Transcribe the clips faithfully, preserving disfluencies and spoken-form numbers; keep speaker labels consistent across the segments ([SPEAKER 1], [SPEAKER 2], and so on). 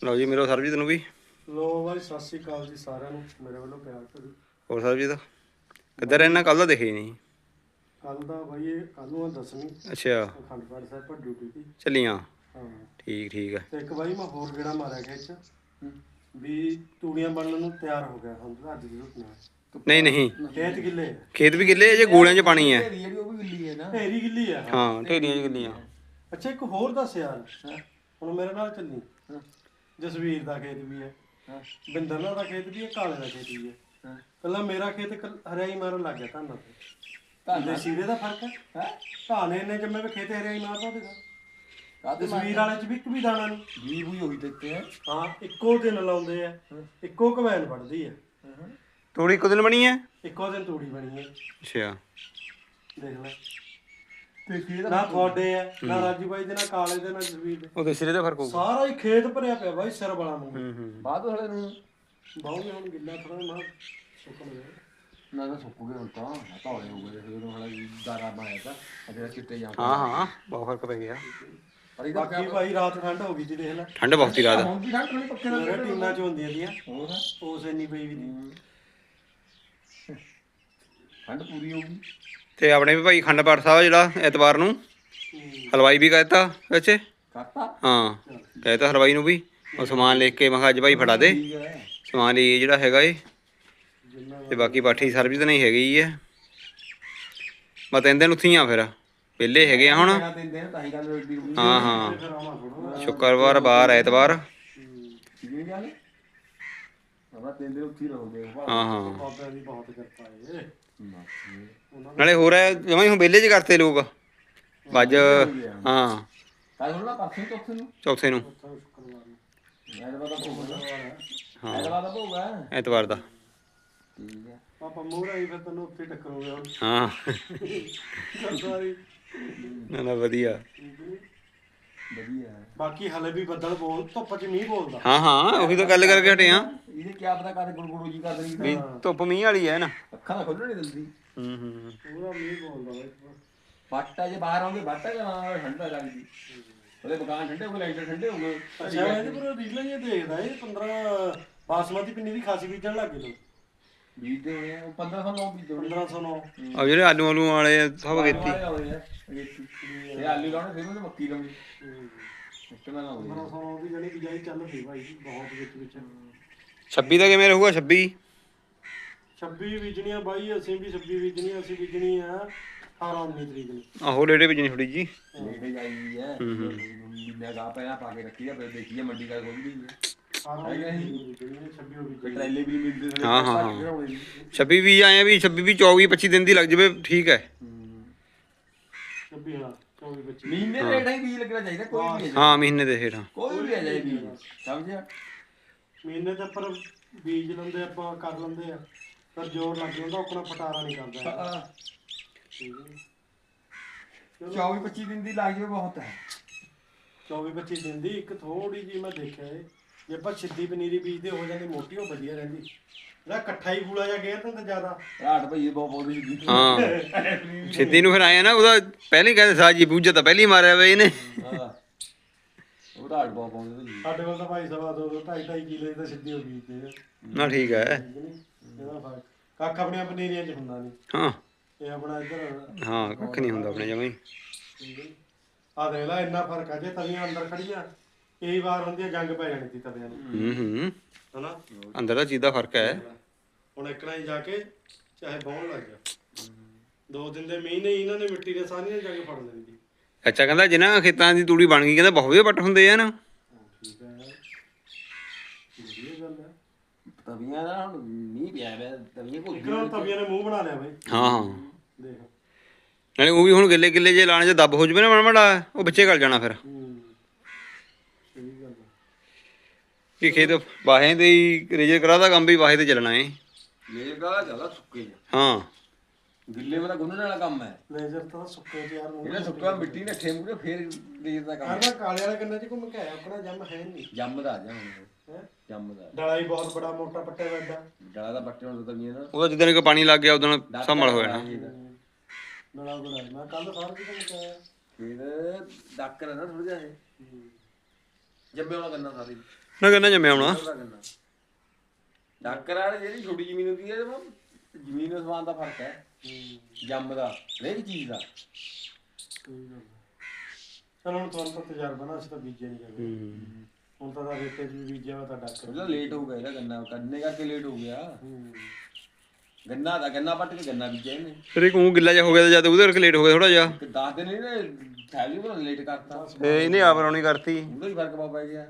[SPEAKER 1] ਲਓ ਜੀ ਮੇਰੋ ਸਰਬਜੀਤ ਨੂੰ ਵੀ।
[SPEAKER 2] ਲੋ ਬਾਈ ਸਤਿ ਸ਼੍ਰੀ ਅਕਾਲ ਜੀ ਸਾਰਿਆਂ ਨੂੰ ਮੇਰੇ ਵੱਲੋਂ ਪਿਆਰ ਭਰੀ।
[SPEAKER 1] ਹੋਰ ਸਰਬਜੀਤ ਕਿੱਧਰ ਰਹਿਣਾ? ਕੱਲ ਦਾ ਦਿਖੇ ਨਹੀਂ।
[SPEAKER 2] ਕੱਲ ਦਾ ਬਾਈ ਇਹ ਕੱਲ ਨੂੰ ਦੱਸਣੀ।
[SPEAKER 1] ਅੱਛਾ
[SPEAKER 2] ਅਖੰਡ ਪਾਠ ਸਾਹਿਬ ਪਰ ਡਿਊਟੀ ਦੀ
[SPEAKER 1] ਚੱਲੀਆਂ।
[SPEAKER 2] ਹਾਂ
[SPEAKER 1] ਠੀਕ ਠੀਕ ਹੈ।
[SPEAKER 2] ਤੇ ਇੱਕ ਬਾਈ ਮੈਂ ਹੋਰ ਗੇੜਾ ਮਾਰਿਆ ਖੇਤ ਚ ਵੀ ਤੂੜੀਆਂ ਬਣਨ ਨੂੰ ਤਿਆਰ ਹੋ ਗਿਆ ਹੁਣ ਅੱਜ ਦੀ ਰੁਕਣਾ।
[SPEAKER 1] ਨਹੀਂ ਨਹੀਂ
[SPEAKER 2] ਖੇਤ ਗਿੱਲੇ ਆ।
[SPEAKER 1] ਖੇਤ ਵੀ ਗਿੱਲੇ ਜੇ ਗੋਲਿਆਂ 'ਚ ਪਾਣੀ ਹੈ।
[SPEAKER 3] ਜਿਹੜੀ ਉਹ ਵੀ ਗਿੱਲੀ ਹੈ ਨਾ,
[SPEAKER 2] ਢੇਰੀ ਗਿੱਲੀ ਆ।
[SPEAKER 1] ਹਾਂ ਢੇਰੀਆਂ 'ਚ ਗਿੱਲੀਆਂ।
[SPEAKER 2] ਅੱਛਾ ਇੱਕ ਹੋਰ ਦੱਸ ਯਾਰ, ਹੁਣ ਮੇਰੇ ਨਾਲ ਚੱਲੀ। ਜਸਵੀਰ ਦਾ ਖੇਤ ਵੀ ਹੈ, ਬਿੰਦਰ ਨਾਲ ਦਾ ਖੇਤ ਵੀ ਹੈ, ਕਾਲੇ ਦਾ ਖੇਤ ਵੀ ਹੈ। ਕੱਲਾ ਮੇਰਾ ਖੇਤ ਹਰਿਆਈ ਮਾਰਨ ਲੱਗ ਗਿਆ ਧਾਨਾਂ ਤੇ। ਧਾਨੇ ਸੀਰੇ ਦਾ ਫਰਕ ਹੈ। ਧਾਨੇ ਇੰਨੇ ਜੰਮੇ ਵੀ ਖੇਤ ਹਰਿਆਈ ਮਾਰਦਾ ਉਹਦੇ। ਜਸਵੀਰ ਵਾਲੇ ਚ ਵੀ ਇੱਕ ਵੀ ਦਾਣਾ ਨਹੀਂ।
[SPEAKER 3] ਵੀ ਵੀ ਉਹੀ ਦਿੱਤੇ ਆ।
[SPEAKER 2] ਹਾਂ ਇੱਕੋ ਦਿਨ ਲਾਉਂਦੇ ਆ, ਇੱਕੋ ਕਮੈਨ ਵੱਢਦੀ ਹੈ।
[SPEAKER 1] ਤੂੜੀ ਇੱਕ ਦਿਨ ਬਣੀ ਹੈ,
[SPEAKER 2] ਇੱਕੋ ਦਿਨ ਤੂੜੀ ਬਣੀ ਹੈ।
[SPEAKER 1] ਅੱਛਾ
[SPEAKER 2] ਦੇਖ ਲੈ ਨਾ ਤੁਹਾਡੇ ਆ ਨਾ ਰਾਜੂ ਬਾਈ ਦੇ, ਨਾ ਕਾਲੇ ਦੇ, ਨਾ ਜਸਵੀਰ ਦੇ।
[SPEAKER 1] ਉਹਦੇ ਸਿਰੇ ਦਾ ਫਰਕ ਹੋਊਗਾ।
[SPEAKER 2] ਸਾਰਾ ਹੀ ਖੇਤ ਭਰਿਆ ਪਿਆ ਬਾਈ ਸਿਰ ਵਾਲਾ ਨੂੰ।
[SPEAKER 1] ਹੂੰ ਹੂੰ
[SPEAKER 3] ਬਾਅਦ ਵਾਲੇ ਨੂੰ
[SPEAKER 2] ਬਾਹੂ ਹੁਣ ਗਿੱਲਾ ਥੋੜਾ ਨਾ ਸੁੱਕਣ ਗਿਆ।
[SPEAKER 3] ਨਾ ਨਾ ਸੁੱਕ ਗਏ ਹੁਣ ਤਾਂ ਧੌਲੇ ਹੋ ਗਏ ਫਿਰ ਉਹਨਾਂ ਦਾਰਾ ਬਣਾਇਆ ਤਾਂ ਅਜੇ ਚਿੱਟੇ ਜਾਂ
[SPEAKER 1] ਹਾਂ ਹਾਂ ਬਹੁਤ ਫਰਕ ਪੈ ਗਿਆ।
[SPEAKER 3] ਪਰ ਇਹਦਾ
[SPEAKER 2] ਬਾਕੀ ਭਾਈ ਰਾਤ ਠੰਡ ਹੋ ਗਈ ਜੀ ਦੇਖ ਲੈ।
[SPEAKER 1] ਠੰਡ ਬਹੁਤ ਹੀ ਰਾਤ।
[SPEAKER 3] ਹੁਣ ਵੀ ਠੰਡ ਨਹੀਂ ਪੱਕੇ
[SPEAKER 2] ਮੇਰੇ ਟੀਨਾਂ ਚ ਹੁੰਦੀਆਂ ਦੀਆਂ
[SPEAKER 3] ਹੋਰ
[SPEAKER 2] ਉਸ ਇੰਨੀ ਪਈ ਵੀ ਨਹੀਂ।
[SPEAKER 3] ਠੰਡ ਪੂਰੀ ਹੋਊਗੀ।
[SPEAKER 1] ਤੇ ਆਪਣੇ ਵੀ ਭਾਈ ਅਖੰਡ ਪਾਠ ਸਾਹਿਬ ਜਿਹੜਾ ਐਤਵਾਰ ਨੂੰ ਹਲਵਾਈ ਵੀ ਕਹਿਤਾ ਵੈਸੇ।
[SPEAKER 3] ਕਰਤਾ
[SPEAKER 1] ਹਾਂ ਕਹਿਤਾ ਹਲਵਾਈ ਨੂੰ ਵੀ ਉਹ ਸਮਾਨ ਲੈ ਕੇ। ਮੈਂ ਕਿਹਾ ਅੱਜ ਭਾਈ ਫੜਾ ਦੇ
[SPEAKER 3] ਠੀਕ ਹੈ।
[SPEAKER 1] ਸਮਾਨ ਲਈ ਜਿਹੜਾ ਹੈਗਾ ਏ। ਤੇ ਬਾਕੀ ਬਾਠੀ ਸਰਬਜੀਤ ਨਹੀਂ ਹੈਗੀ ਹੈ। ਮੈਂ ਤਿੰਨ ਦਿਨ ਉੱਥੇ ਹੀ ਆ ਫਿਰ ਵਿਹਲੇ ਹੈਗੇ ਆ ਹੁਣ।
[SPEAKER 3] ਦਿੰਦੇ ਨੇ ਤਾਂ ਹੀ ਗੱਲ ਰੋਟੀ ਰੋਟੀ
[SPEAKER 1] ਹਾਂ ਹਾਂ ਸ਼ੁੱਕਰਵਾਰ ਬਾਰ ਐਤਵਾਰ।
[SPEAKER 3] ਕੀ ਗੱਲ ਆਪਾਂ ਤਿੰਨ ਦਿਨ ਉੱਥੇ ਹੀ ਰਹੋਗੇ।
[SPEAKER 1] ਹਾਂ ਹਾਂ
[SPEAKER 2] ਬਾਬਿਆਂ ਦੀ ਬਹੁਤ ਕਿਰਪਾ ਏ।
[SPEAKER 1] ਨਾਲੇ ਹੋਰ ਹੈ ਜਮਾਂ ਹੀ ਹੁਣ ਵਿਹਲੇ 'ਚ ਕਰਤੇ ਲੋਕ ਅੱਜ। ਹਾਂ
[SPEAKER 3] ਕੱਲ ਹੁਣ ਨਾ ਪਰਸੋਂ ਚੌਥੇ ਨੂੰ
[SPEAKER 1] ਚੌਥੇ ਨੂੰ
[SPEAKER 3] ਐਤਵਾਰ ਦਾ ਭੋਗ ਹੈ।
[SPEAKER 1] ਹਾਂ
[SPEAKER 3] ਐਤਵਾਰ ਦਾ ਭੋਗ ਹੈ
[SPEAKER 1] ਐਤਵਾਰ ਦਾ।
[SPEAKER 3] ਠੀਕ ਹੈ।
[SPEAKER 2] ਆਪਾਂ ਮੂਹਰੇ ਆਈ ਫਿਰ ਤੈਨੂੰ ਉੱਥੇ ਟੱਕਰੋਗੇ ਹੁਣ।
[SPEAKER 1] ਹਾਂ
[SPEAKER 2] ਸਾਰੀ
[SPEAKER 1] ਨਾ ਨਾ ਵਧੀਆ।
[SPEAKER 3] ਵਧੀਆ ਹੈ।
[SPEAKER 2] ਬਾਕੀ ਹਲੇ ਵੀ ਬੱਦਲ ਬੋਲ ਧੁੱਪ ਚ ਮੀਂਹ ਬੋਲਦਾ।
[SPEAKER 1] ਹਾਂ ਹਾਂ ਉਹੀ ਤਾਂ ਗੱਲ ਕਰਕੇ ਹਟੇ ਆ
[SPEAKER 3] ਇਹਨੇ ਕੀ ਪਤਾ ਕਰ ਗੁੜਗੁੜੂ ਜੀ ਕਰ ਦੇਣੀ
[SPEAKER 1] ਵੀ ਧੁੱਪ ਮੀਂਹ ਵਾਲੀ ਹੈ ਨਾ।
[SPEAKER 3] ਅੱਖਾਂ ਤਾਂ ਖੋਲਣ ਨਹੀਂ ਦਿੰਦੀ।
[SPEAKER 1] ਹੂੰ ਹੂੰ
[SPEAKER 2] ਪੂਰਾ ਮੀਂਹ ਬੋਲਦਾ ਬਾਈ।
[SPEAKER 3] ਬਾਟਾ ਜੇ ਬਾਹਰ ਆਉਂਦੇ ਬਾਟਾ ਜਾਂ ਠੰਡਾ ਲੱਗਦੀ ਉਹਦੇ ਮਕਾਨ ਠੰਡੇ ਹੋ ਗਏ ਲਾਈਟਰ ਠੰਡੇ ਹੋ ਗਏ।
[SPEAKER 2] ਅੱਛਾ ਇਹਦੇ ਪਰ ਰੀਲਾਂ ਇਹ ਦੇਖਦਾ ਇਹ ਪੰਦਰਾਂ ਬਾਸਮਤੀ ਪਿੰਨੀ ਦੀ ਖਾਸੀ ਬੀਜਣ ਲੱਗ ਗਏ ਲੋਕ।
[SPEAKER 3] ਬੀਜਦੇ ਹੋਏ ਆ ਪੰਦਰਾਂ ਸੌ ਨੌ ਬੀਜਦੇ ਹੋਣੇ।
[SPEAKER 2] ਪੰਦਰਾਂ ਸੌ ਨੌ
[SPEAKER 1] ਆ ਜਿਹੜੇ ਆਲੂ ਆਲੂ ਵਾਲੇ ਸਭ ਕੀਤੀ।
[SPEAKER 3] ਇਹ ਆਲੂ ਲਾਉਣੇ ਫਿਰ ਉਹਨੇ ਮੱਕੀ ਲਾਉਣੀ। ਸਿਸਟਮ ਨਾਲ ਲਾਉਂਦੇ
[SPEAKER 2] ਪੰਦਰਾਂ ਸੌ ਨੌ ਦੀ ਜਿਹੜੀ ਬਿਜਾਈ ਚੱਲ ਪਈ ਭਾਈ ਬਹੁਤ ਵਿੱਚ ਵਿੱਚ।
[SPEAKER 1] ਛੱਬੀ ਦਾ ਕਿਵੇਂ ਰਹੂਗਾ? ਛੱਬੀ
[SPEAKER 2] ਛੱਬੀ ਬੀਜਣੀਆਂ ਬਾਈ ਅਸੀਂ ਵੀ ਛੱਬੀ ਬੀਜਣੀ। ਅਸੀਂ ਬੀਜਣੀ ਆ ਅਠਾਰਾਂ ਉੱਨੀ ਤਰੀਕ ਨੂੰ।
[SPEAKER 1] ਆਹੋ ਡੇਢੇ ਵਜਣੀ ਥੋੜੀ ਜੀ।
[SPEAKER 3] ਨੇੜੇ ਜਾਈ ਹੈ ਮਹੀਨਾ ਗਾ ਪਹਿਲਾਂ ਪਾ ਕੇ ਰੱਖੀ ਆ ਫਿਰ ਦੇਖੀਏ ਮੰਡੀ ਦਾ ਖੋਲ ਗਈ
[SPEAKER 2] ਅਠਾਰਾਂ ਉੱਨੀ ਤਰੀਕ ਨੂੰ ਬੀਜਣੀ ਛੱਬੀ ਉਹ ਬੀਜਣੀ।
[SPEAKER 3] ਟਰੇਲੇ ਵੀ ਨਹੀਂ ਮਿਲਦੇ।
[SPEAKER 1] ਹਾਂ ਹਾਂ ਹਾਂ ਛੱਬੀ ਵੀ ਆਏ ਆ ਵੀ ਛੱਬੀ ਵੀ ਚੌਵੀ ਪੱਚੀ ਦਿਨ ਦੀ ਲੱਗ ਜਾਵੇ ਠੀਕ ਹੈ।
[SPEAKER 2] ਛੱਬੀ ਹਾਂ ਚੌਵੀ ਪੱਚੀ
[SPEAKER 3] ਮਹੀਨੇ ਦੇ ਰੇਟ ਹੀ ਬੀਜ ਲੱਗਣਾ ਚਾਹੀਦਾ ਕੋਈ ਵੀ।
[SPEAKER 1] ਹਾਂ ਮਹੀਨੇ ਦੇ ਹੇਠਾਂ
[SPEAKER 3] ਕੋਈ ਵੀ ਆ ਜਾਏ ਬੀਜ ਸਮਝਿਆ।
[SPEAKER 2] ਮਹੀਨੇ ਤੇ ਪਰ ਬੀਜ ਲੈਂਦੇ ਆਪਾਂ ਕਰ ਲੈਂਦੇ ਆ ਪਰ ਜ਼ੋਰ ਲੱਗ ਜਾਂਦਾ ਆਪਣਾ ਪਟਾਰਾ ਨਹੀਂ ਕਰਦਾ।
[SPEAKER 3] ਚੌਵੀ ਪੱਚੀ ਦਿਨ ਦੀ ਲੱਗ ਜਾਵੇ ਬਹੁਤ ਹੈ।
[SPEAKER 2] ਚੌਵੀ ਪੱਚੀ ਦਿਨ ਦੀ ਇੱਕ ਥੋੜੀ ਜਿਹੀ ਮੈਂ ਦੇਖਿਆ ਏ ਜੇ ਆਪਾਂ ਸਿੱਧੀ ਪਨੀਰੀ ਬੀਜਦੇ ਹੋ ਜਾਂਦੀ ਮੋਟੀ ਉਹ ਵਧੀਆ ਰਹਿੰਦੀ। ਜਿਹੜਾ ਇਕੱਠਾ ਹੀ ਫੂਲਾ ਜਾ ਗੇਰ ਤਾਂ ਜ਼ਿਆਦਾ
[SPEAKER 3] ਰਾਟ ਭਈ ਬਹੁਤ ਬਹੁਤ ਜੀ।
[SPEAKER 1] ਹਾਂ ਸਿੱਧੀ ਨੂੰ ਫਿਰ ਆਇਆ ਨਾ ਉਹਦਾ ਪਹਿਲੇ ਕਹਿੰਦੇ ਸਾਜੀ ਬੂਝਾ ਤਾਂ ਪਹਿਲੀ ਮਾਰਿਆ ਵੇ ਇਹਨੇ।
[SPEAKER 3] ਹਾਂ ਉਹ ਰਾਟ ਬਹੁਤ ਪਾਉਂਦੇ ਜੀ।
[SPEAKER 2] ਸਾਡੇ ਕੋਲ ਤਾਂ ਭਾਈ ਸਵਾ ਦੋ ਦੋ ਢਾਈ ਢਾਈ ਕਿਲੇ ਤਾਂ ਸਿੱਧੀ ਹੋ ਬੀਜਦੇ ਆ।
[SPEAKER 1] ਨਾ ਠੀਕ ਹੈ।
[SPEAKER 2] ਇਹਦਾ ਫਰਕ ਕੱਖ ਆਪਣੀਆਂ ਪਨੀਰੀਆਂ 'ਚ ਹੁੰਦਾ ਨਹੀਂ।
[SPEAKER 1] ਹਾਂ
[SPEAKER 2] ਇਹ ਆਪਣਾ ਇੱਧਰ
[SPEAKER 1] ਹਾਂ ਕੱਖ ਨਹੀਂ ਹੁੰਦਾ ਆਪਣੇ ਜਮਾਂ ਹੀ।
[SPEAKER 2] ਆ ਦੇਖ ਲੈ ਇੰਨਾ ਫਰਕ ਆ ਜੇ ਤਵੀਆਂ ਅੰਦਰ ਖੜੀਆਂ ਕਈ ਵਾਰ ਹੁੰਦੀਆਂ ਜੰਗ ਪੈ ਜਾਣੀ ਸੀ ਤਵੀਆਂ ਨੂੰ।
[SPEAKER 1] ਹੂੰ ਹੂੰ
[SPEAKER 2] ਹਨਾ
[SPEAKER 1] ਅੰਦਰ ਦਾ ਚੀਜ਼ ਦਾ ਫਰਕ ਹੈ।
[SPEAKER 2] ਹੁਣ ਇੱਕਣਾ ਹੀ ਜਾ ਕੇ ਚਾਹੇ ਬਹੁਣ ਲੱਗ ਗਿਆ ਦੋ ਦਿਨ ਦੇ ਮੀਂਹ ਨੇ ਇਹਨਾਂ ਨੇ ਮਿੱਟੀ ਦੇ ਸਾਰੀਆਂ ਜੰਗ ਫੜ ਲੈਣੀ ਸੀ।
[SPEAKER 1] ਅੱਛਾ ਕਹਿੰਦਾ ਜਿਨ੍ਹਾਂ ਖੇਤਾਂ ਦੀ ਤੂੜੀ ਬਣ ਗਈ ਕਹਿੰਦਾ ਬਹੁਤ ਵਧੀਆ ਪੱਟ ਹੁੰਦੇ ਆ ਨਾ।
[SPEAKER 2] ਠੀਕ ਹੈ ਵਧੀਆ ਗੱਲ ਹੈ।
[SPEAKER 3] ਤਵੀਆਂ ਦਾ ਹੁਣ ਮੀਂਹ ਪਿਆ ਵੇ ਤਵੀਆਂ ਕੋਈ
[SPEAKER 2] ਇੱਕਣਾ ਤਵੀਆਂ ਨੇ ਮੂੰਹ ਬਣਾ ਲਿਆ ਬਾਈ।
[SPEAKER 1] ਹਾਂ ਹਾਂ
[SPEAKER 2] ਦੇਖ
[SPEAKER 1] ਨਾਲੇ ਉਹ ਵੀ ਹੁਣ ਗਿੱਲੇ ਗਿੱਲੇ ਜੇ ਲਾਣੇ 'ਚ ਦੱਬ ਹੋ ਜਵੇ ਨਾ ਮਾੜਾ ਮਾੜਾ ਉਹ ਵਿੱਚੇ ਗਲ ਜਾਣਾ ਫਿਰ।
[SPEAKER 2] ਹੂੰ ਸਹੀ ਗੱਲ ਹੈ।
[SPEAKER 1] ਕਿ ਖੇਤ ਵਾਹੇ ਦੇ ਹੀ ਰੇਜਰ ਕਰਾਦਾ ਕੰਮ ਵੀ ਵਾਹੇ ਤੇ ਚੱਲਣਾ ਏ।
[SPEAKER 3] ਮੇਰੇ ਗਾਲਾ ਜ਼ਿਆਦਾ ਸੁੱਕੇ ਜਾ
[SPEAKER 1] ਹਾਂ
[SPEAKER 3] ਗਿੱਲੇ ਵਾਲਾ ਗੁੰਨਣ ਵਾਲਾ ਕੰਮ ਹੈ।
[SPEAKER 2] ਲੇਜ਼ਰ ਤਾਂ ਸੁੱਕੇ ਤੇ ਯਾਰ ਮੂੰਹ
[SPEAKER 3] ਇਹਨੇ ਸੁੱਕਾ ਮਿੱਟੀ ਨੱਠੇ ਮੂਰੇ ਫੇਰ ਲੇਰ ਦਾ ਕੰਮ
[SPEAKER 2] ਮੈਂ ਕਾਲੇ ਵਾਲੇ ਕੰਨਾਂ 'ਚ ਘੁੰਮ ਕੇ ਆਇਆ ਆਪਣਾ ਜੰਮ ਹੈ ਨਹੀਂ।
[SPEAKER 3] ਜੰਮਦਾ ਜਾ ਹੁਣ
[SPEAKER 2] ਹੈ
[SPEAKER 3] ਜੰਮਦਾ
[SPEAKER 2] ਡਲਾ ਹੀ ਬਹੁਤ ਬੜਾ ਮੋਟਾ ਪੱਟਿਆ ਵੱਡਾ।
[SPEAKER 3] ਡਲਾ ਦਾ ਬੱਟੇ ਹੁਣ ਤਵੀਆਂ ਦਾ
[SPEAKER 1] ਉਹਦਾ ਜਿੱਦਣ ਕਿ ਪਾਣੀ ਲੱਗ ਗਿਆ ਉਦੋਂ ਸੰਭਲ ਹੋ ਜਾਣਾ।
[SPEAKER 2] ਡਲਾ ਬੜਾ ਮੈਂ ਕੱਲ ਸਾਰ ਕੀ ਘੁੰਮ ਕੇ ਆਇਆ।
[SPEAKER 3] ਫਿਰ ਡਾਕਰ ਹੈ ਨਾ ਥੋੜਾ ਜਿਹਾ ਇਹ ਜੰਮੇ ਵਾਲਾ ਕਰਨਾ ਸਾਰੀ
[SPEAKER 1] ਨਾ ਕਹਿੰਦਾ ਜੰਮਿਆ ਹੋਣਾ।
[SPEAKER 3] ਉਹਦਾ ਗੰਨਾ ਡਾਕਰ ਵਾਲੀ ਜਿਹੜੀ ਛੋਟੀ ਜ਼ਮੀਨ ਹੁੰਦੀ ਹੈ ਜਮਾ ਜ਼ਮੀਨ ਦੇ ਸਮਾਨ ਦਾ ਫਰਕ ਹੈ ਜੰਮ ਦਾ ਹਰੇਕ ਚੀਜ਼ ਦਾ।
[SPEAKER 2] ਸਹੀ ਗੱਲ ਹੈ। ਚਲ ਹੁਣ ਤੁਹਾਨੂੰ ਤਾਂ ਤਜਰਬਾ ਨਾ, ਅਸੀਂ ਤਾਂ ਬੀਜਿਆ ਨਹੀਂ ਕਰਦੇ।
[SPEAKER 1] ਹੂੰ
[SPEAKER 2] ਹੁਣ ਤਾਂ ਦਾ ਰੇਤੇ 'ਚ ਵੀ ਬੀਜਿਆ ਵਾ ਤਾਂ ਡਾਕਰ
[SPEAKER 3] ਉਹਦਾ ਲੇਟ ਹੋ ਗਿਆ ਇਹਦਾ ਗੰਨਾ ਕੱਢਣੇ ਕਰਕੇ ਲੇਟ ਹੋ ਗਿਆ।
[SPEAKER 2] ਹੂੰ
[SPEAKER 3] ਗੰਨਾ ਦਾ ਗੰਨਾ ਪੱਟ ਕੇ ਗੰਨਾ ਬੀਜਿਆ ਇਹਨੇ
[SPEAKER 1] ਫਿਰ ਇੱਕ ਉਹ ਗਿੱਲਾ ਜਿਹਾ ਹੋ ਗਿਆ ਜਦ ਉਹਦੇ ਕਰਕੇ ਲੇਟ ਹੋ ਗਿਆ ਥੋੜਾ ਜਿਹਾ।
[SPEAKER 3] ਇੱਕ ਦਸ ਦਿਨ ਇਹਨੇ ਥੈਲੀ ਬਣਾ ਲੇਟ ਕਰਤਾ
[SPEAKER 1] ਫੇ ਇਹਨੇ ਆਪ ਰੌਣੀ ਕਰਤੀ।
[SPEAKER 3] ਉਹਦਾ ਹੀ ਫਰਕ ਪਾ ਪੈ ਗਿਆ।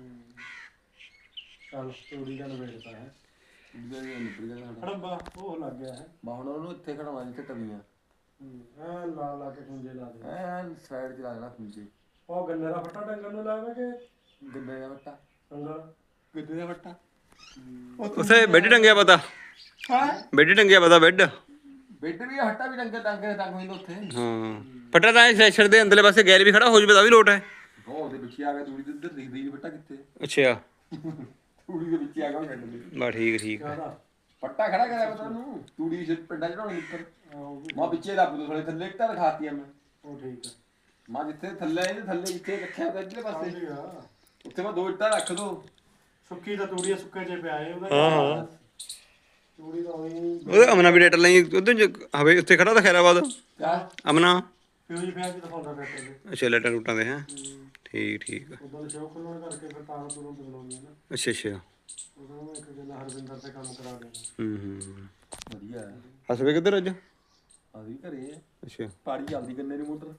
[SPEAKER 2] ਚੱਲ ਤੂੜੀ ਦਾ ਨਵੇੜਤਾ ਹੈ
[SPEAKER 3] ਉਹਦਾ ਹੀ ਨਿਬੜ ਗਿਆ ਸਾਡਾ।
[SPEAKER 2] ਹੜੰਬਾ ਉਹ ਲੱਗ ਗਿਆ ਹੈ।
[SPEAKER 3] ਬਾ ਹੁਣ ਉਹਨੂੰ ਇੱਥੇ ਖੜਾਉਣਾ ਜਿੱਥੇ ਤਵੀਆਂ
[SPEAKER 2] ਐ ਲਾ ਲਾ ਕੇ ਖੁੰਝੇ ਲਾ ਦੇ।
[SPEAKER 3] ਐਨ ਸਾਈਡ 'ਚ ਲਾ ਦੇਣਾ ਖੁੰਝੇ।
[SPEAKER 2] ਉਹ ਗੰਨੇ ਦਾ ਫੱਟਾ ਡੰਗਰ ਨੂੰ ਲਾਵੇ ਕਿ
[SPEAKER 3] ਗੰਨੇ ਦਾ ਵੱਟਾ
[SPEAKER 2] ਡੰਗਰ
[SPEAKER 3] ਗੰਨੇ ਦਾ ਵੱਟਾ
[SPEAKER 1] ਉੱਥੇ ਬੈੱਡ ਟੰਗਿਆ ਪਤਾ।
[SPEAKER 3] ਹਾਂ
[SPEAKER 1] ਬੈੱਡ ਟੰਗਿਆ ਪਤਾ ਬੈੱਡ।
[SPEAKER 3] ਬੈੱਡ ਵੀ ਹੱਟਾ ਵੀ ਡੰਗਰ ਡੰਗਰ ਟੰਗ ਹੋਈ ਉੱਥੇ।
[SPEAKER 1] ਹਾਂ ਫਟਾ ਤਾਂ ਸੈਸ਼ਨ ਦੇ ਅੰਦਰਲੇ ਪਾਸੇ ਗੈਰ ਵੀ ਖੜਾ ਹੋ ਜਵੇ ਤਾਂ ਵੀ ਲੋਟ ਹੈ।
[SPEAKER 3] ਉਹ ਉਹਦੇ ਵਿੱਚ ਹੀ ਆ ਗਿਆ ਤੂੜੀ ਦੇ ਉੱਧਰ ਦਿਖਦੀ ਨਹੀਂ ਵੱਟਾ ਕਿੱਥੇ।
[SPEAKER 1] ਅੱਛਾ
[SPEAKER 3] ਤੂੜੀ ਦੇ ਵਿੱਚ ਹੀ ਆ ਗਿਆ ਉਹ ਛੱਡ ਦੇ।
[SPEAKER 1] ਬਾ ਠੀਕ ਠੀਕ ਹੈ।
[SPEAKER 2] ਕਾਹਦਾ
[SPEAKER 3] ਪੱਟਾ ਖੜਾ ਕਰਿਆ ਪਤਾ ਉਹਨੂੰ ਤੂੜੀ ਚ ਪਿੰਡਾਂ ਚੜਾਉਣੀ ਉੱਪਰ।
[SPEAKER 2] ਉਹ ਵੀ
[SPEAKER 3] ਮਾਂ ਵਿੱਚੇ ਰੱਬ ਤੋਂ ਥੋੜੇ ਥੱਲੇ ਇੱਟਾਂ ਰਖਾਤੀਆਂ ਮੈਂ।
[SPEAKER 2] ਉਹ ਠੀਕ ਹੈ।
[SPEAKER 3] ਮਾਂ ਜਿੱਥੇ ਥੱਲੇ ਇਹਦੇ ਥੱਲੇ ਇੱਥੇ ਰੱਖਿਆ ਤਾਂ ਇੱਧਰਲੇ ਪਾਸੇ
[SPEAKER 2] ਸਮਝ ਗਿਆ।
[SPEAKER 3] ਉੱਥੇ ਮੈਂ ਦੋ ਇੱਟਾਂ ਰੱਖ ਦੋ।
[SPEAKER 2] ਸੁੱਕੀ ਤਾਂ ਤੂੜੀ ਸੁੱਕੇ ਜੇ ਪਿਆ ਏ ਉਹਦਾ।
[SPEAKER 1] ਹਾਂ ਹਾਂ
[SPEAKER 2] ਤੂੜੀ ਤਾਂ ਉਹੀ
[SPEAKER 1] ਉਹਦੇ ਅਮਨਾ ਵੀ ਡੇਟ ਲਈ ਉਧਰ ਹਵੇ ਉੱਥੇ ਖੜਾ ਤਾਂ ਖੈਰਾਬਾਦ
[SPEAKER 3] ਕਿਆ
[SPEAKER 1] ਅਮਨਾ।
[SPEAKER 2] ਫਿਊਜ਼ ਪਿਆ ਕਿ ਦਿਖਾਉਂਦਾ ਟਰੈਕਟਰ ਦੇ।
[SPEAKER 1] ਅੱਛਾ ਲੈਟਾਂ ਰੂਟਾਂ ਦੇ ਹੈ ਠੀਕ ਠੀਕ ਆ।
[SPEAKER 2] ਉਦੋਂ ਸ਼ੌਕ ਖੁੱਲਣ ਕਰਕੇ ਫਿਰ ਤਾਰਾਂ ਤੁਰਾਂ ਬਦਲਾਉਂਦੇ ਨੇ।
[SPEAKER 1] ਅੱਛਾ ਅੱਛਾ
[SPEAKER 2] ਉਦੋਂ ਮੈਂ ਇੱਕ ਜਣਾ ਹਰਵਿੰਦਰ ਤੇ ਕੰਮ ਕਰਾ ਦੇਣਾ।
[SPEAKER 1] ਹੂੰ ਹੂੰ
[SPEAKER 3] ਵਧੀਆ ਹੈ।
[SPEAKER 1] ਹਸਵੇ ਕਿੱਧਰ ਅੱਜ?
[SPEAKER 3] ਅਸੀਂ ਘਰੇ ਆ।
[SPEAKER 1] ਅੱਛਾ
[SPEAKER 3] ਪਾੜੀ ਚੱਲਦੀ ਗੰਨੇ ਦੀ ਮੋਟਰ।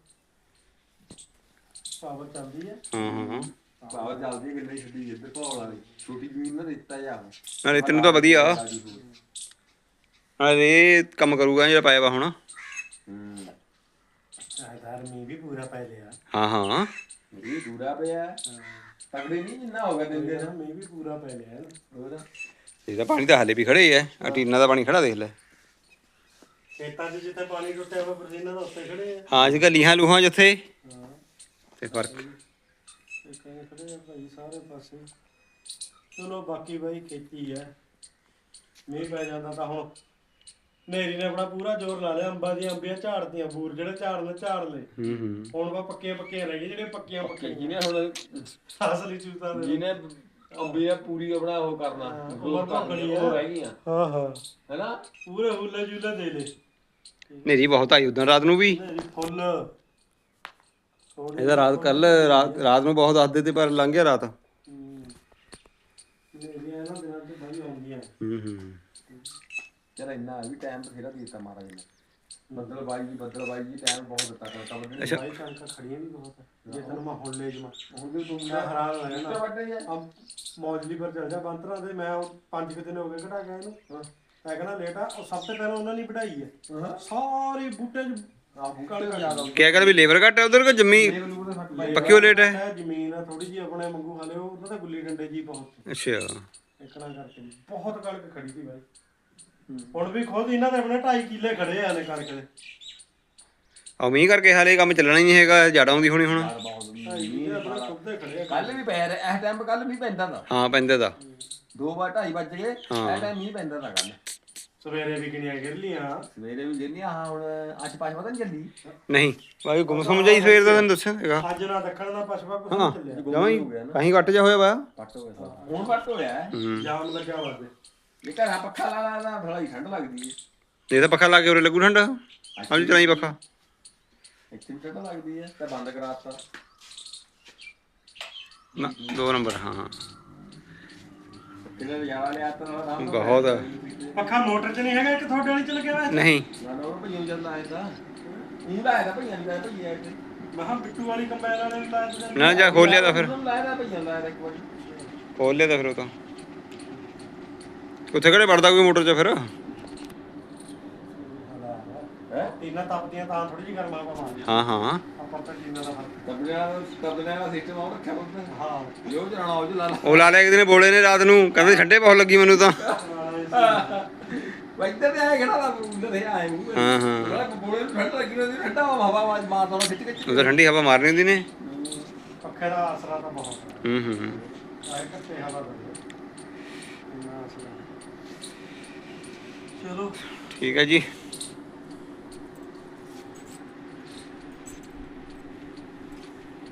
[SPEAKER 2] ਪਾਵਰ ਚੱਲਦੀ ਹੈ।
[SPEAKER 1] ਹਾਂ ਹਾਂ
[SPEAKER 3] ਪਾਵਰ ਚੱਲਦੀ ਹੈ ਗੰਨੇ ਛੱਡੀ ਇੱਧਰ ਭੌਲ ਵਾਲੀ ਛੋਟੀ ਜ਼ਮੀਨ ਨਾ ਦਿੱਤਾ ਜਾ।
[SPEAKER 1] ਨਾਲੇ ਤੈਨੂੰ ਤਾਂ ਵਧੀਆ ਨਾਲੇ ਇਹ ਕੰਮ ਕਰੂਗਾ ਜਿਹੜਾ ਪਾਇਆ ਵਾ ਹੁਣ।
[SPEAKER 3] ਹੂੰ
[SPEAKER 2] ਚਾਹੇਦਾਰ ਮੀਂਹ ਵੀ ਪੂਰਾ ਪੈ ਲਿਆ।
[SPEAKER 1] ਹਾਂ ਹਾਂ
[SPEAKER 3] ਇਹ ਦੂਰਾ ਪਿਆ ਤਗੜੇ ਨਹੀਂ ਜਿੰਨਾ ਹੋ ਗਿਆ ਦਿਨ ਦੇ
[SPEAKER 2] ਮੀਂਹ ਵੀ ਪੂਰਾ ਪੈ ਲਿਆ।
[SPEAKER 3] ਹੋਰ
[SPEAKER 1] ਇਹਦਾ ਪਾਣੀ ਤਾਂ ਹਾਲੇ ਵੀ ਖੜੇ ਹੀ ਹੈ। ਆ ਟੀਨਾ ਦਾ ਪਾਣੀ ਖੜਾ ਦੇਖ ਲੈ।
[SPEAKER 2] ਖੇਤਾਂ 'ਚ ਜਿੱਥੇ ਪਾਣੀ ਟੁੱਟਿਆ ਹੋਇਆ ਪਰਸੀਨਾ ਦਾ ਉੱਤੇ ਖੜੇ ਆ।
[SPEAKER 1] ਹਾਂ ਅੱਜ ਕੱਲ੍ਹ ਲੀਹਾਂ ਲੂਹਾਂ ਜਿੱਥੇ
[SPEAKER 2] ਹਾਂ
[SPEAKER 1] ਤੇ ਫਰਕ।
[SPEAKER 2] ਇਹ ਕਹਿੰਦੇ ਖੜੇ ਆ ਭਾਈ ਸਾਰੇ ਪਾਸੇ। ਚਲੋ ਬਾਕੀ ਬਾਈ ਖੇਤੀ ਹੈ। ਮੀਂਹ ਪੈ ਜਾਂਦਾ ਤਾਂ ਹੁਣ ਨੇਰੀ ਨੇ ਆਪਣਾ ਪੂਰਾ ਜ਼ੋਰ ਲਾ ਲਿਆ। ਅੰਬਾਂ ਦੀਆਂ ਅੰਬੀਆਂ ਝਾੜਦੀਆਂ ਬੂਰ ਜਿਹੜੇ ਝਾੜਨੇ ਝਾੜ ਲਏ।
[SPEAKER 1] ਹੂੰ ਹੂੰ
[SPEAKER 2] ਹੁਣ ਵਾ ਪੱਕੀਆਂ ਪੱਕੀਆਂ ਰਹਿ ਗਈ ਜਿਹੜੇ ਪੱਕੀਆਂ ਪੱਕੀਆਂ
[SPEAKER 3] ਜਿਹਨੇ ਹੁਣ
[SPEAKER 2] ਅਸਲੀ ਚੂਤਾ ਦੇ।
[SPEAKER 3] ਜਿਹਨੇ ਅੰਬੀ ਆ ਪੂਰੀ ਆਪਣਾ ਉਹ ਕਰਨਾ
[SPEAKER 2] ਉਮਰ ਭੋਗਣੀ ਆ।
[SPEAKER 3] ਉਹ ਰਹਿ ਗਈਆਂ
[SPEAKER 2] ਹਾਂ ਹਾਂ
[SPEAKER 3] ਹੈਨਾ।
[SPEAKER 2] ਪੂਰੇ ਹੁੱਲੇ ਜੁਲੇ ਦੇ ਲੈ।
[SPEAKER 1] ਨੇਰੀ ਬਹੁਤ ਆਈ ਉਦੋਂ ਰਾਤ ਨੂੰ ਵੀ।
[SPEAKER 2] ਨੇਰੀ ਫੁੱਲ
[SPEAKER 1] ਇਹਦਾ ਰਾਤ ਕੱਲ ਰਾਤ ਰਾਤ ਨੂੰ ਬਹੁਤ ਦੱਸਦੇ ਤੇ ਪਰ ਲੰਘ ਗਿਆ ਰਾਤ।
[SPEAKER 2] ਨੇਰੀਆਂ ਇਹਨਾਂ ਦਿਨਾਂ 'ਚ ਬਾਈ ਆਉਂਦੀਆਂ।
[SPEAKER 1] ਹੂੰ ਹੂੰ
[SPEAKER 3] ਚਲ ਇੰਨਾ ਵੀ ਟਾਈਮ ਬਥੇਰਾ ਦੇ ਦਿੱਤਾ ਮਹਾਰਾਜ ਨੇ। ਬੱਦਲ ਬਾਈ ਜੀ ਬੱਦਲ ਬਾਈ ਜੀ ਟਾਈਮ ਬਹੁਤ ਦਿੱਤਾ ਕਰਤਾ ਬੰਦੇ ਨੇ।
[SPEAKER 2] ਬਾਈ ਕਣਕਾਂ ਖੜੀਆਂ ਵੀ ਬਹੁਤ ਆ। ਜੇ ਤੈਨੂੰ ਮੈਂ ਹੁਣ ਲੈ ਜਾਵਾਂ
[SPEAKER 3] ਹੁਣ ਵੀ ਤੂੰ
[SPEAKER 2] ਮੈਂ ਹੈਰਾਨ ਹੋ ਜਾਣਾ।
[SPEAKER 3] ਵੱਡੇ ਆ
[SPEAKER 2] ਆ ਮੌਜਲੀ ਪਰ ਚਲ ਜਾ ਬੰਤਰਾ ਦੇ। ਮੈਂ ਉਹ ਪੰਜ ਕੁ ਦਿਨ ਹੋ ਗਏ ਘਟਾ ਗਿਆ ਇਹਨੂੰ। ਮੈਂ ਕਹਿੰਦਾ ਲੇਟ ਆ। ਉਹ ਸਭ ਤੋਂ ਪਹਿਲਾਂ ਉਹਨਾਂ ਨੇ ਵਢਾਈ ਹੈ ਸਾਰੇ ਬੂਟੇ 'ਚ।
[SPEAKER 3] ਆ ਬੂਟੇ ਜ਼ਿਆਦਾ
[SPEAKER 1] ਕਿਆ ਕਰ ਵੀ ਲੇਬਰ ਘੱਟ ਹੈ ਉਧਰ ਕੋ ਜੰਮੀ ਪੱਕੀ ਹੋ ਲੇਟ ਹੈ।
[SPEAKER 2] ਜ਼ਮੀਨ ਆ ਥੋੜੀ ਜਿਹੀ ਆਪਣੇ ਮੰਗੂ ਹਾਲੇ ਉਹ ਉਹਨਾਂ ਦਾ ਗੁੱਲੀ ਡੰਡੇ ਜੀ ਬਹੁਤ
[SPEAKER 1] ਅੱਛਾ
[SPEAKER 2] ਇਕਣਾ ਕਰਕੇ ਬਹੁਤ ਕਣਕ ਖੜੀ ਸੀ ਬਾਈ। ਹੁਣ ਵੀ ਖੁਦ ਇਹਨਾਂ ਦੇ ਆਪਣੇ ਢਾਈ ਕਿੱਲੇ ਖੜੇ ਆ ਨੇ ਕਣਕ ਦੇ।
[SPEAKER 1] ਆ ਮੀਂਹ ਕਰਕੇ ਹਾਲੇ ਕੰਮ ਚੱਲਣਾ ਹੀ ਨਹੀਂ ਹੈਗਾ। ਜੜ ਆਉਂਦੀ ਹੋਣੀ ਹੁਣ।
[SPEAKER 2] ਢਾਈ ਕਿੱਲੇ ਆਪਣੇ ਖੁਦ ਦੇ ਖੜੇ ਆ।
[SPEAKER 3] ਕੱਲ ਵੀ ਪੈ ਰਿਹਾ ਇਸ ਟਾਈਮ ਕੱਲ ਵੀ ਪੈਂਦਾ ਦਾ
[SPEAKER 1] ਹਾਂ ਪੈਂਦੇ ਦਾ
[SPEAKER 3] ਦੋ ਵਾਰ ਢਾਈ ਵੱਜ ਗਏ ਇਸ ਟਾਈਮ ਮੀਂਹ ਪੈਂਦਾ ਦਾ ਕੱਲ।
[SPEAKER 2] ਸਵੇਰੇ ਵੀ ਕਿੰਨੀਆਂ ਗਿਰ ਲੀਆਂ।
[SPEAKER 3] ਸਵੇਰੇ ਵੀ ਗਿਰਨੀਆਂ ਹਾਂ ਹੁਣ ਅੱਜ ਪੰਜ ਪਤਾ ਨਹੀਂ ਚੱਲੀ।
[SPEAKER 1] ਨਹੀਂ ਬਾਈ ਗੁੰਮ ਸੁੰਮ ਜਾਈ ਸਵੇਰ ਦਾ ਤੈਨੂੰ ਦੱਸਿਆ ਹੈਗਾ।
[SPEAKER 2] ਅੱਜ ਨਾ ਦੱਖਣ ਦਾ ਪਛਵਾ ਕੁਛ
[SPEAKER 1] ਹਾਂ
[SPEAKER 2] ਨਹੀਂ ਚੱਲਿਆ।
[SPEAKER 1] ਜਮਾਂ ਹੀ ਕਹੀਂ ਘੱਟ ਜਾ ਹੋਇਆ ਵਾ।
[SPEAKER 3] ਪੱਟ ਹੋ ਗਿਆ ਹੁਣ ਪੱਟ ਹੋਇਆ ਹੈ।
[SPEAKER 1] ਹੂੰ
[SPEAKER 2] ਜਾਮ ਲੱਗਿਆ ਵਾਦੇ।
[SPEAKER 3] ਇਹ ਘਰਾਂ ਪੱਖਾ ਲਾ ਲਾ ਲਾ ਬੜਾ ਹੀ ਠੰਡ ਲੱਗਦੀ ਹੈ।
[SPEAKER 1] ਇਹ ਤਾਂ ਪੱਖਾ ਲਾ ਕੇ ਉਰੇ ਲੱਗੂ ਠੰਡ। ਅੱਜ ਚਲਾਈ ਪੱਖਾ
[SPEAKER 3] ਇੱਥੇ ਵੀ ਠੰਡ ਲੱਗਦੀ ਹੈ ਤਾਂ ਬੰਦ ਕਰਾਤਾ।
[SPEAKER 1] ਨਾ ਦੋ ਨੰਬਰ ਹਾਂ ਹਾਂ
[SPEAKER 3] ਕਿਹਨੇ ਲਿਆ ਲਿਆ ਤਾਂ ਆਰਾਮ ਨਾਲ
[SPEAKER 1] ਬਹੁਤ ਆ।
[SPEAKER 2] ਪੱਖਾ ਮੋਟਰ 'ਚ ਨਹੀਂ ਹੈਗਾ ਇੱਕ ਤੁਹਾਡੇ ਵਾਲੀ 'ਚ ਲੱਗਿਆ ਹੋਇਆ।
[SPEAKER 1] ਨਹੀਂ
[SPEAKER 3] ਨਾ ਨਾ ਉਹ ਭਈਆਂ ਚੱਲਦਾ ਆਇਆ ਤਾਂ ਉਹ ਲਾਇਆ ਤਾਂ ਭਈਆਂ ਨਹੀਂ ਲਾਇਆ ਭਈਆ ਇੱਥੇ
[SPEAKER 2] ਮੈਂ ਕਿਹਾ ਬਿੱਟੂ ਵਾਲੀ ਕੰਬਾਈਨ ਵਾਲੇ ਨੂੰ ਲਾਇਆ ਤੇ
[SPEAKER 1] ਨਾ ਜਾ ਖੋਲਿਆ ਤਾਂ ਫਿਰ
[SPEAKER 3] ਲਾਇਆ ਤਾਂ ਭਈਆਂ ਲਾਇਆ ਤਾਂ ਇੱਕ ਵਾਰੀ
[SPEAKER 1] ਖੋਲ ਲਿਆ ਤਾਂ ਫਿਰ ਉਹ ਤਾਂ ਉੱਥੇ ਕਿਹੜੇ ਵੜਦਾ ਕੋਈ ਮੋਟਰ 'ਚ ਫਿਰ।
[SPEAKER 3] ਹੈ
[SPEAKER 2] ਟੀਨਾ ਤਪਦੀਆਂ ਤਾਂ ਥੋੜੀ ਜਿਹੀ ਗਰਮਾ ਪਾਵਾਂਗੇ।
[SPEAKER 1] ਹਾਂ ਹਾਂ
[SPEAKER 2] ਆਪਾਂ ਤਾਂ ਟੀਨਾ ਦਾ ਫਰਕ।
[SPEAKER 3] ਕਬਲਿਆਂ ਕਬਲਿਆਂ ਦਾ ਸਿਸਟਮ ਆ ਰੱਖਿਆ ਬੰਦਾ
[SPEAKER 2] ਹਾਂ
[SPEAKER 3] ਜੋ ਚਲਾਣਾ ਉਹ ਚ ਲਾ ਲਾ
[SPEAKER 1] ਉਹ ਲਾ ਲਿਆ ਕਿਤੇ ਨੇ ਬੋਲੇ ਨੇ ਰਾਤ ਨੂੰ ਕਹਿੰਦੇ ਠੰਡੇ ਬਹੁਤ ਲੱਗੀ ਮੈਨੂੰ ਤਾਂ।
[SPEAKER 3] ਇੱਧਰ ਤੇ ਆਏ ਖੜਾ ਦਾ ਉੱਧਰ ਤੇ ਆਏ ਮੂੰਹ
[SPEAKER 1] ਹਾਂ ਹਾਂ
[SPEAKER 3] ਬੜਾ ਬੋਲੇ ਨੂੰ ਠੰਡ ਲੱਗੀ ਹੁੰਦੀ ਠੰਡਾ ਹਵਾ ਆਵਾਜ਼ ਮਾਰਦਾ ਉਹ ਖਿੱਚ ਖਿੱਚ
[SPEAKER 1] ਉਹ ਤਾਂ ਠੰਡੀ ਹਵਾ ਮਾਰਨੀ ਹੁੰਦੀ ਨੇ।
[SPEAKER 2] ਪੱਖੇ ਦਾ ਆਸਰਾ ਤਾਂ ਬਹੁਤ ਹੈ।
[SPEAKER 1] ਹੂੰ ਹੂੰ
[SPEAKER 2] ਆਏ ਕੱਤੇ ਹਵਾ ਦੇ ਇੰਨਾ ਆਸਰਾ। ਚਲੋ
[SPEAKER 1] ਠੀਕ ਹੈ ਜੀ